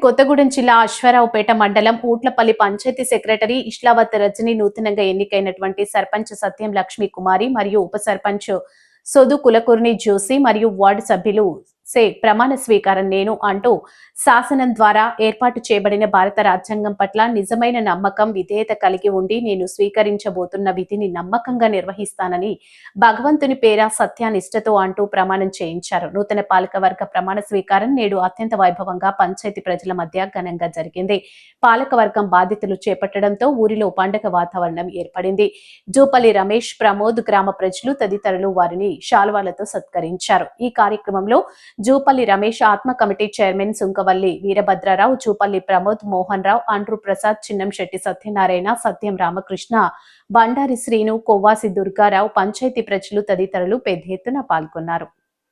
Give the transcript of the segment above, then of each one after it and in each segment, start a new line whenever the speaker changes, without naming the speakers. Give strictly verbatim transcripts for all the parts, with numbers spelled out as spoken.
కొత్తగూడెం జిల్లా అశ్వారావుపేట మండలం ఊట్లపల్లి పంచాయతీ సెక్రటరీ ఇష్లావత్ రజని నూతనంగా ఎన్నికైనటువంటి సర్పంచ్ సత్యం లక్ష్మీ కుమారి మరియు ఉప సర్పంచ్ సొదు కులకుర్ని జోసి మరియు వార్డు సభ్యులు సే ప్రమాణ స్వీకారం నేను అంటూ శాసనం ద్వారా ఏర్పాటు చేయబడిన భారత రాజ్యాంగం పట్ల నిజమైన నమ్మకం విధేయత కలిగి ఉండి నేను స్వీకరించబోతున్న విధిని నమ్మకంగా నిర్వహిస్తానని భగవంతుని పేర సత్యానిష్టతో అంటూ ప్రమాణం చేయించారు. నూతన పాలకవర్గ ప్రమాణ స్వీకారం నేడు అత్యంత వైభవంగా పంచాయతీ ప్రజల మధ్య ఘనంగా జరిగింది. పాలకవర్గం బాధ్యతలు చేపట్టడంతో ఊరిలో పండగ వాతావరణం ఏర్పడింది. జూపల్లి రమేష్, ప్రమోద్, గ్రామ ప్రజలు తదితరులు వారిని శాల్వాలతో సత్కరించారు. ఈ కార్యక్రమంలో Jupalli Ramesh, ATMA committee chairman Sunkavalli Veerabhadrarao, Jupalli Pramod, Mohan Rao, Andru Prasad, Chinnamsetti Satyanarayana, Satyam Ramakrishna, Bandari Srinu, Kovvasi Durgarao, panchayat ప్రజలు తదితరులు పెద్ద ఎత్తున పాల్గొన్నారు.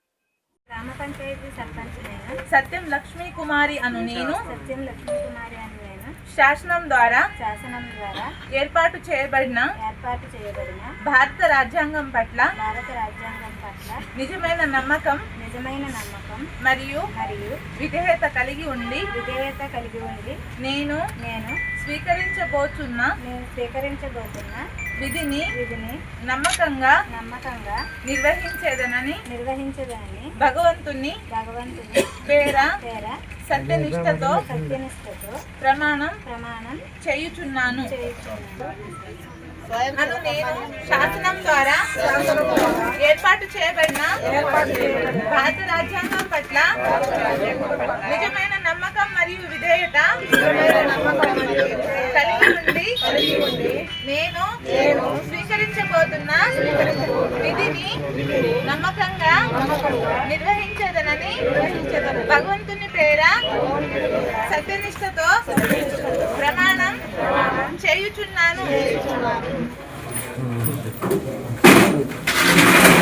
సత్యం లక్ష్మీ కుమారి అను నేను
సత్యం లక్ష్మీ కుమారి అను నేను
శాసనం ద్వారా
శాసనం ద్వారా
ఏర్పాటు చేయబడిన
ఏర్పాటు చేయబడిన
భారత రాజ్యాంగం పట్ల
భారత రాజ్యాంగం పట్ల
నిజమైన నమ్మకం
నిజమైన నమ్మకం
మరియు
మరియు
విధేయత కలిగి ఉండి
విధేయత కలిగి ఉండి
నేను
నేను
స్వీకరించబోతున్న
నేను స్వీకరించబోతున్న
విధిని
విధిని
నమ్మకంగా
నమ్మకంగా
నిర్వహించేదనని
నిర్వహించదని
భగవంతుని
భగవంతుని
పేర
పేర
సత్యనిష్టతో
సత్యనిష్టతో
ప్రమాణం
ప్రమాణం
చేయుచున్నాను
చేయుచున్నాను.
అను నేను శాసనం ద్వారా ఏర్పాటు చేయబడిన భారత రాజ్యాంగం పట్ల నిజమైన నమ్మకం మరియు విధేయత కలిగి ఉండి నేను స్వీకరించబోతున్న విధిని నమ్మకంగా నిర్వహించదనని భగవంతుని పేర సత్యనిష్టతో ప్రమాణం చేయుచున్నాను.